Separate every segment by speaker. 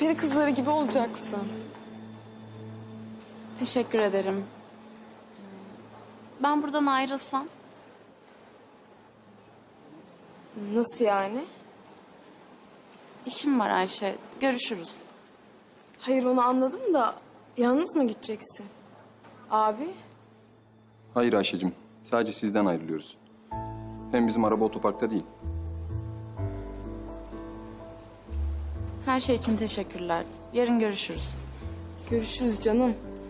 Speaker 1: peri kızları gibi olacaksın.
Speaker 2: Teşekkür ederim. Ben buradan ayrılsam?
Speaker 1: Nasıl yani?
Speaker 2: İşim var Ayşe. Görüşürüz.
Speaker 1: Hayır onu anladım da yalnız mı gideceksin? Abi?
Speaker 3: Hayır Ayşe'cim. Sadece sizden ayrılıyoruz. Hem bizim araba otoparkta değil.
Speaker 2: Her şey için teşekkürler. Yarın görüşürüz.
Speaker 1: Görüşürüz canım.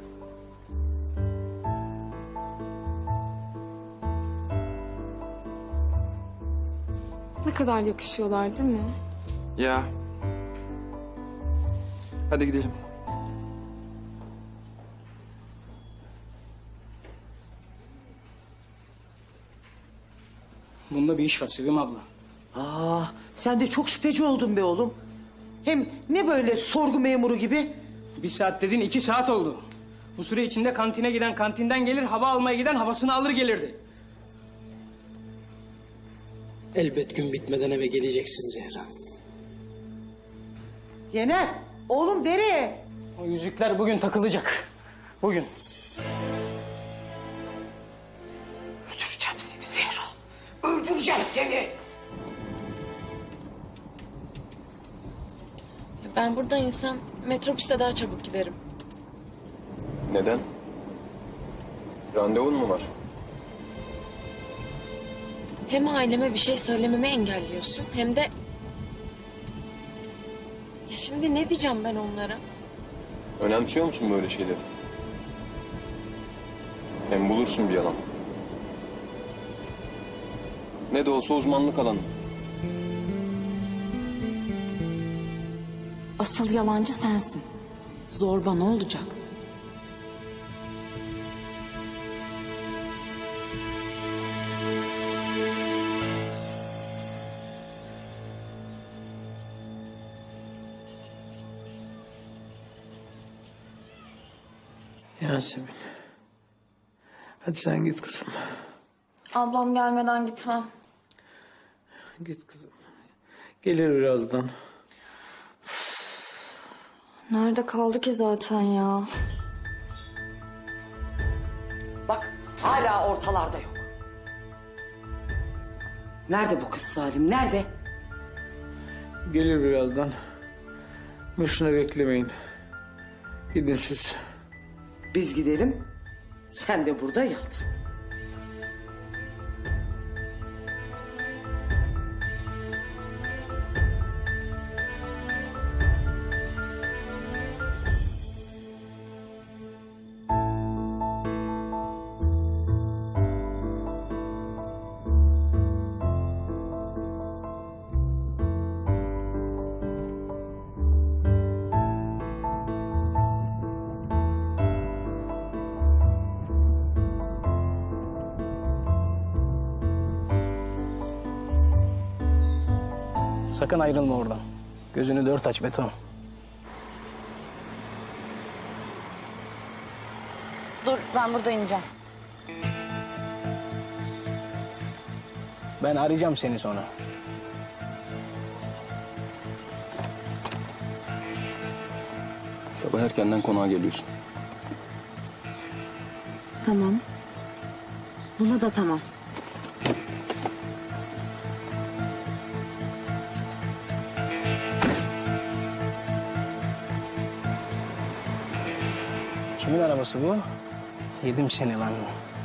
Speaker 1: Ne kadar yakışıyorlar değil mi?
Speaker 4: Ya. Hadi gidelim.
Speaker 5: Bunda bir iş var Sevim abla.
Speaker 6: Sen de çok şüpheci oldun be oğlum. Hem ne böyle sorgu memuru gibi?
Speaker 5: 1 saat dedin 2 saat oldu. Bu süre içinde kantine giden kantinden gelir, hava almaya giden havasını alır gelirdi.
Speaker 7: Elbet gün bitmeden eve geleceksin Zehra.
Speaker 6: Yener, oğlum nereye?
Speaker 5: O yüzükler bugün takılacak. Bugün.
Speaker 6: Öldüreceğim seni Zehra. Öldüreceğim seni.
Speaker 8: Ben burada insan metrobüste daha çabuk giderim.
Speaker 3: Neden? Randevun mu var?
Speaker 8: Hem aileme bir şey söylememi engelliyorsun hem de... Ya şimdi ne diyeceğim ben onlara?
Speaker 3: Önemsiyor musun böyle şeyleri? Hem bulursun bir yalan. Ne de olsa uzmanlık alanı.
Speaker 2: Asıl yalancı sensin. Zorba ne olacak?
Speaker 7: Yasemin. Hadi sen git kızım.
Speaker 2: Ablam gelmeden gitmem.
Speaker 7: Git kızım. Gelir birazdan.
Speaker 2: Nerede kaldı ki zaten ya?
Speaker 6: Bak hala ortalarda yok. Nerede bu kız Salim, nerede?
Speaker 7: Gelir birazdan. Boşuna beklemeyin. Gidin siz.
Speaker 6: Biz gidelim, sen de burada yat.
Speaker 5: Sakın ayrılma oradan. Gözünü 4 aç beton.
Speaker 2: Dur ben burada ineceğim.
Speaker 5: Ben arayacağım seni sonra.
Speaker 3: Sabah erkenden konağa geliyorsun.
Speaker 2: Tamam. Buna da tamam.
Speaker 5: Kimin arabası bu? Yedim seni lan.